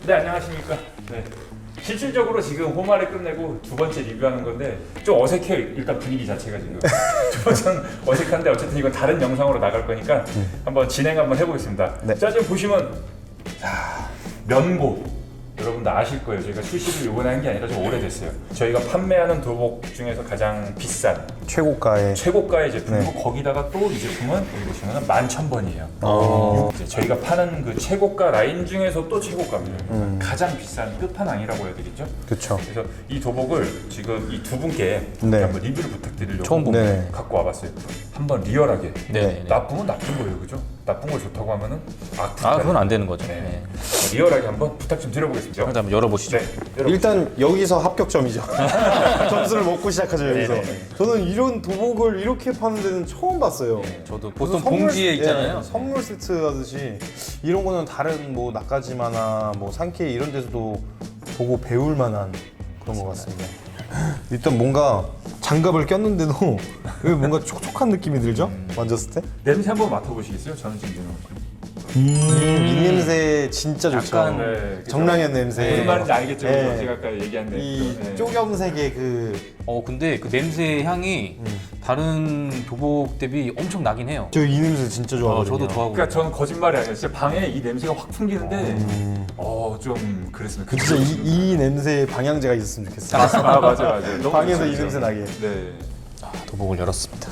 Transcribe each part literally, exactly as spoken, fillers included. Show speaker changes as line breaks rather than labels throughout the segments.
네, 안녕하십니까. 네. 실질적으로 지금 홈화를 끝내고 두 번째 리뷰하는 건데 좀 어색해요. 일단 분위기 자체가 지금 좀 어색한데 어쨌든 이건 다른 영상으로 나갈 거니까 한번 진행 한번 해보겠습니다.
네.
자, 지금 보시면 자, 면보 여러분들 아실 거예요. 저희가 출시를 요번에 한 게 아니라 좀 오래됐어요. 저희가 판매하는 도복 중에서 가장 비싼
최고가의
최고가의 제품이고
네.
거기다가 또 이 제품은 여기 보시면 만천 번이에요.
어.
이제 저희가 파는 그 최고가 라인 중에서 또 최고가입니다.
음.
가장 비싼 끝판왕이라고 해야 되겠죠?
그쵸.
그래서 이 도복을 지금 이 두 분께
네.
한번 리뷰를 부탁드리려고
처음 봅니다.
네.
갖고 와봤어요. 한번 리얼하게.
네.
나쁘면 나쁜 거예요, 그죠? 나쁜 걸 좋다고 하면은 악플.
아, 그건 안 되는 거죠.
네.
네.
리얼하게 한번 부탁 좀 드려보겠습니다.
일단 한번 열어보시죠.
네. 여러분.
일단 여기서 합격점이죠. 점수를 먹고 시작하죠 여기서.
네네.
저는 이런 도복을 이렇게 파는 데는 처음 봤어요.
저도
무슨
보통
선물-
봉지에 있잖아요.
예, 선물 세트 하듯이 이런 거는 다른 뭐 나까지마나 뭐 산케이 이런 데서도 보고 배울 만한 그런 것 같습니다. 일단 뭔가 장갑을 꼈는데도 왜 뭔가 촉촉한 느낌이 들죠? 만졌을 때?
냄새 한번 맡아보시겠어요? 저는 지금
음, 이 냄새 진짜 좋죠.
약간,
네, 그죠?
정랑현 냄새.
무슨 말인지 알겠죠?
네.
제가 아까 얘기한 데
이
네.
쪼겸색의 그
어 근데 그 냄새 향이 다른 도복 대비 엄청 나긴 해요.
저 이 냄새 진짜
어,
좋아하거든요.
저도 좋아하고.
그러니까 저는 거짓말이 아니에요. 진짜 방에 이 냄새가 확 풍기는데 어 좀 그랬습니다. 그
진짜 이, 이 냄새에 방향제가 있었으면 좋겠어요.
아 맞아 맞아. 너무
방에서 이
좋죠.
냄새 나게.
네.
아, 도복을 열었습니다.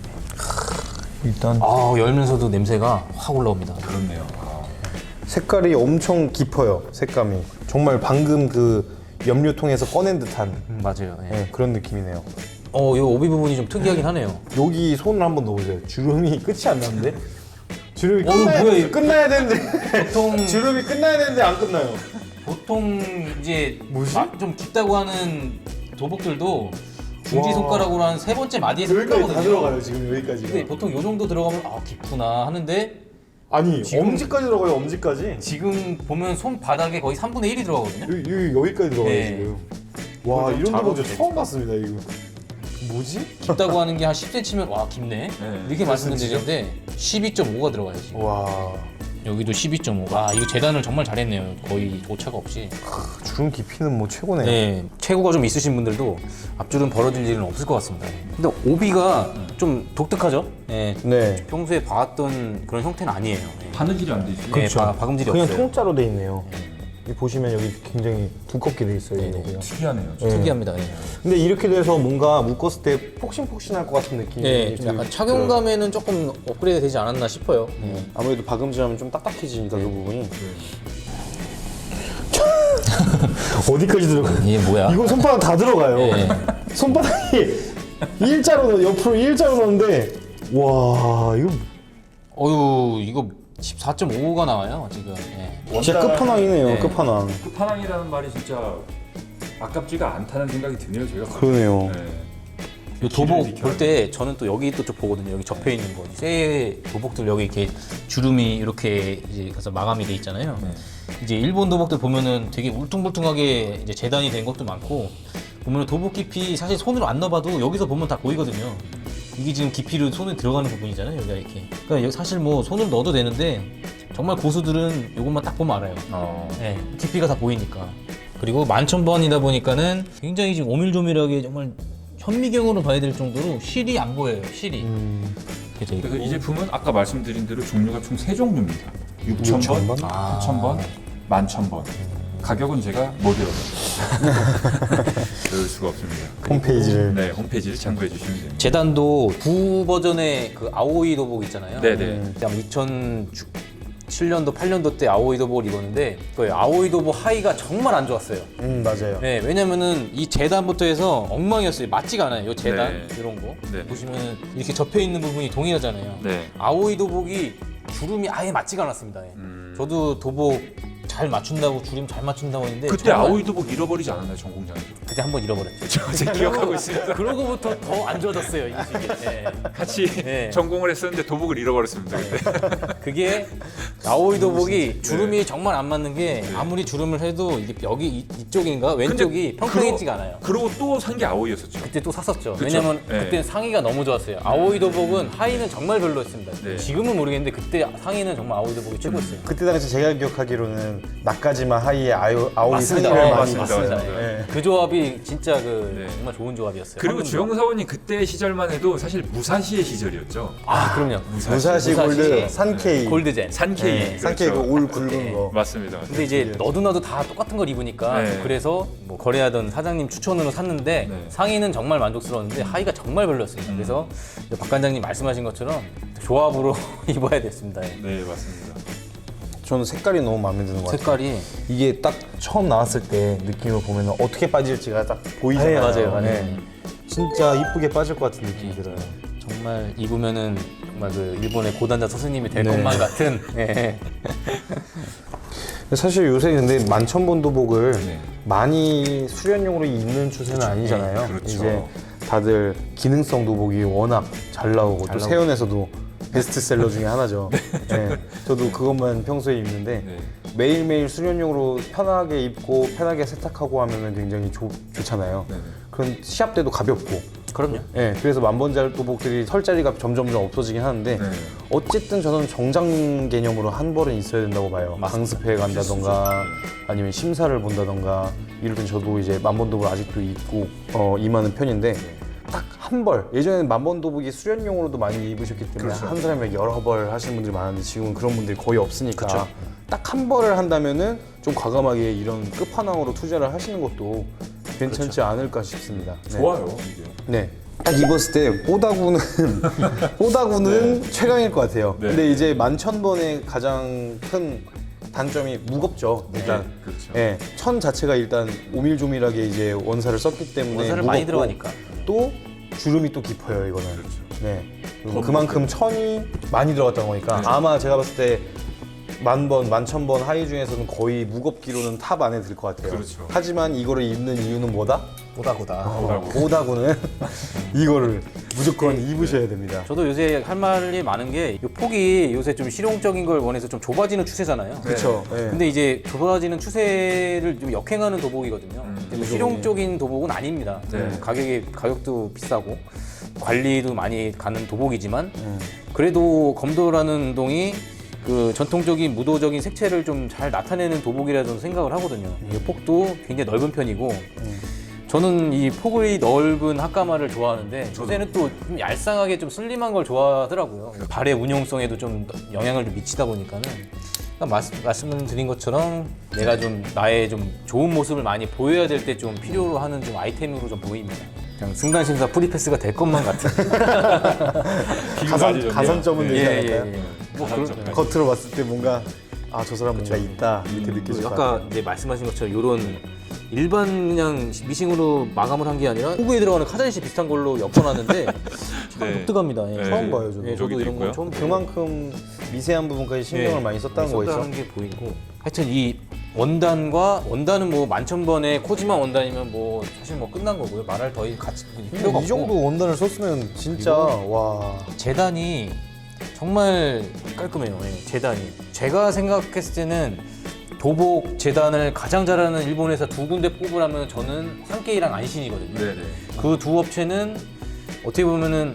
일단
아 열면서도 냄새가 확 올라옵니다.
그렇네요. 아.
색깔이 엄청 깊어요. 색감이 정말 방금 그 염료통에서 꺼낸 듯한
음, 맞아요. 예.
네, 그런 느낌이네요.
어, 이 오비 부분이 좀 특이하긴 하네요.
여기 손을 한번 넣어보세요. 주름이 끝이 안 나는데? 주름이
어,
끝나야,
뭐야, 이거.
끝나야 되는데
보통
주름이 끝나야 되는데 안 끝나요.
보통 이제
뭐지?
마- 좀 깊다고 하는 도복들도 중지
와.
손가락으로 한 세 번째 마디에서
여기까지 다
끝나거든요.
들어가요 지금 여기까지가.
근데 보통 요 정도 들어가면 아 깊구나 하는데
아니
지금-
엄지까지 들어가요. 엄지까지.
지금 보면 손바닥에 거의 삼분의 일이 들어가거든요.
여기, 여기, 여기까지 들어가요
네.
지금. 와
이거
이런
잘
도복 저
어울리네.
처음 봤습니다 이거. 뭐지?
깊다고 하는 게 한 십 센티미터면 와 깊네.
네.
이렇게 말씀드리는데 십이 점 오가 들어가요 지금.
와
여기도 십이 점 오. 아 이거 재단을 정말 잘했네요. 거의 오차가 없이.
주름 깊이는 뭐 최고네요.
네, 체구가 좀 있으신 분들도 앞줄은 벌어질 일은 없을 것 같습니다. 근데 오비가 좀 독특하죠? 네,
네.
평소에 봐왔던 그런 형태는 아니에요. 네.
바느질이 안 되지.
네, 바, 박음질이
그냥
없어요.
통짜로 돼 있네요. 이 보시면 여기 굉장히 두껍게 돼 있어요.
네네.
여기가.
특이하네요.
네.
특이합니다. 네.
근데 이렇게 돼서 뭔가 묶었을 때 폭신폭신할 것 같은 느낌이
네, 좀 약간
들-
착용감에는 조금 업그레이드 되지 않았나 싶어요. 네.
아무래도 박음질하면 좀 딱딱해지니까 그 부분이 어디까지 들어가요?
이게 뭐야?
이거 손바닥 다 들어가요.
네.
손바닥이 일자로 넣- 옆으로 일자로 넣는데 와 이거
어유 이거 십사 점 오가 나와요 지금. 네.
진짜 끝판왕이네요.
네.
끝판왕.
끝판왕이라는 말이 진짜 아깝지가 않다는 생각이 드네요. 제가.
그러네요.
네.
이 도복
길을
볼 때 저는 또 여기 또 쭉 보거든요. 여기 접혀 있는 거. 새 도복들 여기 이렇게 주름이 이렇게 이제 가서 마감이 돼 있잖아요.
네.
이제 일본 도복들 보면은 되게 울퉁불퉁하게 이제 재단이 된 것도 많고 보면은 도복 깊이 사실 손으로 안 넣어봐도 여기서 보면 다 보이거든요. 이게 지금 깊이로 손에 들어가는 부분이잖아요. 여기가 이렇게. 그러니까 여기 사실 뭐 손을 넣어도 되는데 정말 고수들은 이것만 딱 보면 알아요.
어.
네, 깊이가 다 보이니까. 그리고 만천번이다 보니까는 굉장히 지금 오밀조밀하게 정말 현미경으로 봐야 될 정도로 실이 안 보여요. 실이.
음,
그래서
그래서 이 제품은 아까 말씀드린 대로 종류가 총 세 종류입니다. 육천 번,
육천 번?
아.
구천 번, 만천 번. 가격은 제가 못 외워요. 외울 수가 없습니다.
홈페이지를
네, 홈페이지를 참고해 주시면 됩니다.
재단도 구 버전의 그 아오이 도복 있잖아요.
네네.
아마 이천칠 년도, 팔 년도 때 아오이 도복을 입었는데 그 아오이 도복 하의가 정말 안 좋았어요.
음 맞아요.
네, 왜냐면은 이 재단부터 해서 엉망이었어요. 맞지가 않아요. 이 재단
네.
이런 거
네.
보시면 이렇게 접혀 있는 부분이 동일하잖아요.
네.
아오이 도복이 주름이 아예 맞지가 않았습니다. 예.
음.
저도 도복 잘 맞춘다고 주름 잘 맞춘다고 했는데
그때
정말
아오이 도복 잃어버리지 않았나요, 전 공장에서?
그때 한 번 잃어버렸죠.
제가 기억하고 있습니다.
그러고부터 더 안 좋아졌어요 이 시기에. 예.
같이
네.
전공을 했었는데 도복을 잃어버렸습니다. 그때.
그게 아오이 도복이 주름이 정말 안 맞는 게 아무리 주름을 해도 이게 여기 이- 이쪽인가 왼쪽이 평평해지가 않아요.
그러고 또 산 게 아오이였었죠.
그때 또 샀었죠.
그쵸?
왜냐면
네.
그때 상의가 너무 좋았어요. 아오이 도복은 하의는 정말 별로였습니다.
네.
지금은 모르겠는데 그때 상의는 정말 아오이 도복이 최고였어요.
그때 당시 제가 기억하기로는 나까지마 하이의 아오, 아오이
맞습니다.
상의를
어,
많이
맞습니다.
봤어요.
맞습니다.
네.
그 조합이 진짜 그
네.
정말 좋은 조합이었어요.
그리고
황금조.
주영 사원님 그때 시절만 해도 사실 무사시의 시절이었죠.
아 그럼요.
무사시 골드,
무사시,
산케이,
골드젠.
산케이.
네, 산케이 그 올 굵은
네.
거.
맞습니다.
근데 이제 너도 나도 다 똑같은 걸 입으니까
네.
그래서 뭐 거래하던 사장님 추천으로 샀는데
네.
상의는 정말 만족스러웠는데 하의가 정말 별로였습니다. 그래서 이제 박 관장님 말씀하신 것처럼 조합으로 입어야 됐습니다. 예.
네, 맞습니다.
저는 색깔이 너무 마음에 드는 것 같아요.
색깔이
이게 딱 처음 나왔을 때 느낌을 보면 어떻게 빠질지가 딱 보이잖아요.
네, 맞아요, 맞아요.
네. 진짜 이쁘게 빠질 것 같은 느낌이 들어요.
정말 입으면은 정말 그 일본의 고단자 스승님이 될
네.
것만 같은. 예.
사실 요새 근데 만천본 도복을
네.
많이 수련용으로 입는 추세는 아니잖아요.
네, 그렇죠.
이제 다들 기능성 도복이 워낙 잘 나오고
잘
또
나오고.
세연에서도 베스트셀러 중에 하나죠. 네. 저도 그것만 평소에 입는데
네.
매일매일 수련용으로 편하게 입고 편하게 세탁하고 하면 굉장히 좋, 좋잖아요.
네.
그런 시합 때도 가볍고.
그럼요.
네, 그래서 만번잘 도복들이 설 자리가 점점점 없어지긴 하는데
네.
어쨌든 저는 정장 개념으로 한 벌은 있어야 된다고 봐요.
맞습니다.
강습회에 간다던가 아니면 심사를 본다던가 이럴 땐 저도 이제 만번도복을 아직도 입고 어, 임하는 편인데 딱 한 벌. 예전에는 만번도복이 수련용으로도 많이 입으셨기 때문에
그렇죠.
한 사람에 여러 벌 하시는 분들이 많은데 지금은 그런 분들이 거의 없으니까
그렇죠.
딱 한 벌을 한다면은 좀 과감하게 이런 끝판왕으로 투자를 하시는 것도 괜찮지 않을까 싶습니다. 네.
좋아요, 이게.
네. 딱 입었을 때 뽀다구는 뽀다구는 최강일 것 같아요.
네.
근데 이제 만천번의 가장 큰 단점이 무겁죠. 일단
네, 그렇죠.
예, 천 자체가 일단 오밀조밀하게 이제 원사를 썼기 때문에
원사를
무겁고
많이 들어가니까.
또 주름이 또 깊어요 이거는.
그렇죠.
네. 그리고
더
그만큼 천이 많이 들어갔다는 거니까
네.
아마 제가 봤을 때 만번, 만천번 하이 중에서는 거의 무겁기로는 탑 안에 들 것 같아요.
그렇죠.
하지만 이거를 입는 이유는 뭐다?
고다고다.
오다구.
오다구는 이거를 무조건 입으셔야 됩니다.
저도 요새 할 말이 많은 게 이 폭이 요새 좀 실용적인 걸 원해서 좀 좁아지는 추세잖아요.
그렇죠. 네.
근데 이제 좁아지는 추세를 좀 역행하는 도복이거든요.
음,
근데 뭐 실용적인 도복은 아닙니다.
네.
가격이 가격도 비싸고 관리도 많이 가는 도복이지만
음.
그래도 검도라는 운동이 그 전통적인 무도적인 색채를 좀 잘 나타내는 도복이라 저는 생각을 하거든요. 이 폭도 굉장히 넓은 편이고 저는 이 폭이 넓은 학가마를 좋아하는데 요새는 또 좀 얄쌍하게 좀 슬림한 걸 좋아하더라고요. 발의 운용성에도 좀 영향을 좀 미치다 보니까는 그러니까 말씀, 말씀을 드린 것처럼 내가 좀 나의 좀 좋은 모습을 많이 보여야 될 때 좀 필요로 하는 좀 아이템으로 좀 보입니다. 그냥 승단심사 프리패스가 될 것만 같은.
비교가 아주
가산,
좋네요.
가산점은
네.
되지
예, 예,
않을까요?
예. 뭐
가산점.
그런-
겉으로 봤을 때 뭔가 아 저 사람 뭔가 있다 이렇게 느껴질 것 같아요.
아까 이제 말씀하신 것처럼 이런 일반 그냥 미싱으로 마감을 한 게 아니라 호구에 들어가는 카자니시 비슷한 걸로 엮어놨는데 참
네.
독특합니다. 예.
네.
처음 봐요 저도.
예, 저도
여기도
이런 건
있고요.
처음 봐요.
그만큼 미세한 부분까지 신경을
예,
많이 썼다는 거겠죠.
썼다는 게 보이고 하여튼 이 원단과 원단은 뭐 만천번에 코지마 원단이면 뭐 사실 뭐 끝난 거고요. 말할 더 같이 필요가 없고
이 정도 원단을 썼으면 진짜 와
재단이 정말 깔끔해요. 예, 재단이. 제가 생각했을 때는 도복 재단을 가장 잘하는 일본 회사 두 군데 뽑으라면 저는 산케이랑 안신이거든요.
네네.
그 두 업체는 어떻게 보면은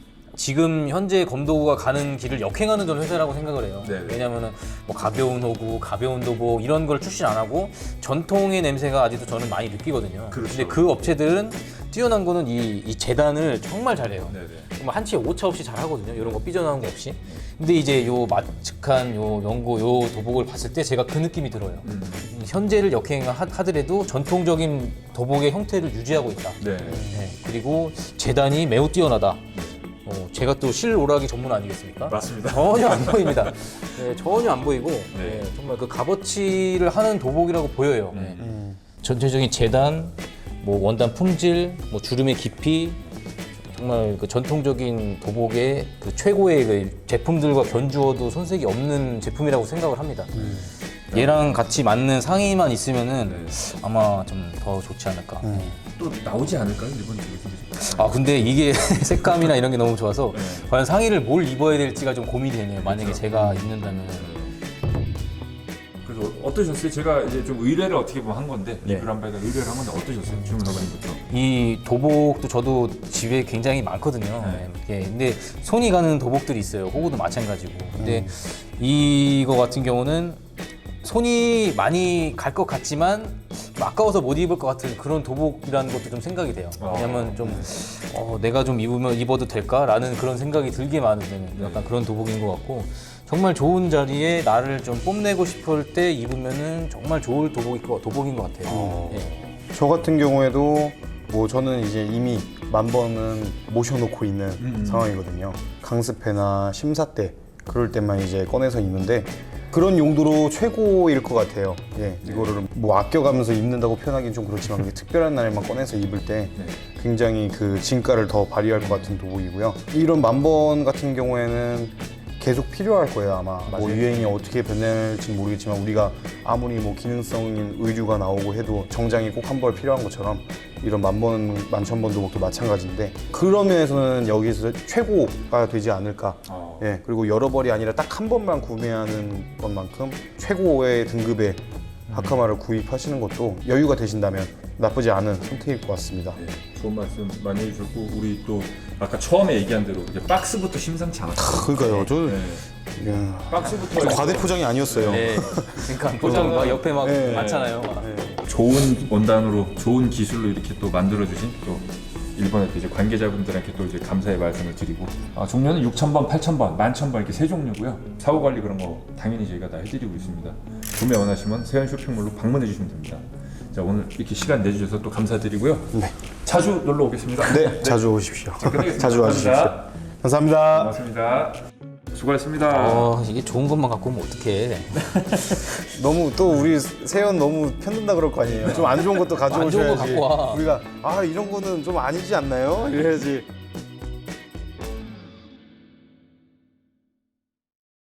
지금 현재 검도구가 가는 길을 역행하는 저는 회사라고 생각을 해요.
네네.
왜냐면은 뭐 가벼운 호구, 가벼운 도복 이런 걸 출시 안 하고 전통의 냄새가 아직도 저는 많이 느끼거든요.
그렇죠.
근데 그 업체들은 뛰어난 거는 이, 이 재단을 정말 잘해요.
네네.
정말 한치의 오차 없이 잘 하거든요. 이런 거 삐져나온 거 없이. 근데 이제 요 마측한 요 연고 요 도복을 봤을 때 제가 그 느낌이 들어요.
음.
이 현재를 역행하더라도 전통적인 도복의 형태를 유지하고 있다.
네.
네, 그리고 재단이 매우 뛰어나다. 어, 제가 또 실오락이 전문 아니겠습니까?
맞습니다.
전혀 안 보입니다. 네, 전혀 안 보이고 네, 정말 그 값어치를 하는 도복이라고 보여요. 네.
음.
전체적인 재단, 뭐 원단 품질, 뭐 주름의 깊이 정말 그 전통적인 도복의 그 최고의 그 제품들과 견주어도 손색이 없는 제품이라고 생각을 합니다. 얘랑 같이 맞는 상의만 있으면은
네.
아마 좀 더 좋지 않을까.
또 나오지 않을까요? 일본 쪽에서?
아 근데 이게 색감이나 이런 게 너무 좋아서
네.
과연 상의를 뭘 입어야 될지가 좀 고민이 되네요. 만약에
그렇죠.
제가 입는다면.
그래서 어떠셨어요? 제가 이제 좀 의뢰를 어떻게 보면 한 건데
네.
리뷰를 한 바에다 의뢰를 한 건데 어떠셨어요? 주문 사관님부터.
이 도복도 저도 집에 굉장히 많거든요.
네.
예, 근데 손이 가는 도복들이 있어요. 호구도 마찬가지고. 근데 이거 같은 경우는 손이 많이 갈 것 같지만 좀 아까워서 못 입을 것 같은 그런 도복이라는 것도 좀 생각이 돼요. 왜냐면 좀 어, 내가 좀 입으면 입어도 될까라는 그런 생각이 들게 만드는 약간 그런 도복인 것 같고 정말 좋은 자리에 나를 좀 뽐내고 싶을 때 입으면은 정말 좋을 도복인 것, 도복인 것 같아요.
어.
예.
저 같은 경우에도 뭐 저는 이제 이미 만 번은 모셔놓고 있는
음.
상황이거든요. 강습회나 심사 때 그럴 때만 이제 꺼내서 입는데 그런 용도로 최고일 것 같아요. 예, 이거를 뭐 아껴가면서 입는다고 표현하기는 좀 그렇지만 그게 특별한 날에만 꺼내서 입을 때
네.
굉장히 그 진가를 더 발휘할 것 같은 도복이고요. 이런 만번 같은 경우에는 계속 필요할 거예요 아마. 뭐
맞아요.
유행이 어떻게 변할지 모르겠지만 우리가 아무리 뭐 기능성인 의류가 나오고 해도 정장이 꼭 한 벌 필요한 것처럼 이런 만번 만천번 도복도 마찬가지인데 그런 면에서는 여기서 최고가 되지 않을까.
어.
예, 그리고 여러 벌이 아니라 딱 한 번만 구매하는 것만큼 최고의 등급의 하카마를 구입하시는 것도 여유가 되신다면 나쁘지 않은 선택일 것 같습니다.
네, 좋은 말씀 많이 해주셨고 우리 또 아까 처음에 얘기한 대로 이제 박스부터 심상치 않았어요.
그러니까요. 저
네.
야,
박스부터
과대 포장이 아니었어요.
네. 그러니까 보통 막 옆에 막
네.
많잖아요. 막.
좋은 원단으로 좋은 기술로 이렇게 또 만들어주신 또 일본의 또 이제 관계자분들한테 또 이제 감사의 말씀을 드리고 아, 종류는 육천 번, 팔천 번, 만천 번 이렇게 세 종류고요. 사후 관리 그런 거 당연히 저희가 다 해드리고 있습니다. 구매 원하시면 세연 쇼핑몰로 방문해 주시면 됩니다. 자 오늘 이렇게 시간 내주셔서 또 감사드리고요.
네.
자주 놀러 오겠습니다.
네, 자주 오십시오.
끝내겠습니다.
자주 와주십시오.
감사합니다.
감사합니다.
고맙습니다. 수고하셨습니다.
어, 이게 좋은 것만 갖고 오면 어떡해.
너무 또 우리 세연 너무 편든다 그럴 거 아니에요. 좀 안 좋은 것도
안 좋은 거
가져오셔야지.
갖고 와.
우리가 아 이런 거는 좀 아니지 않나요? 이래야지.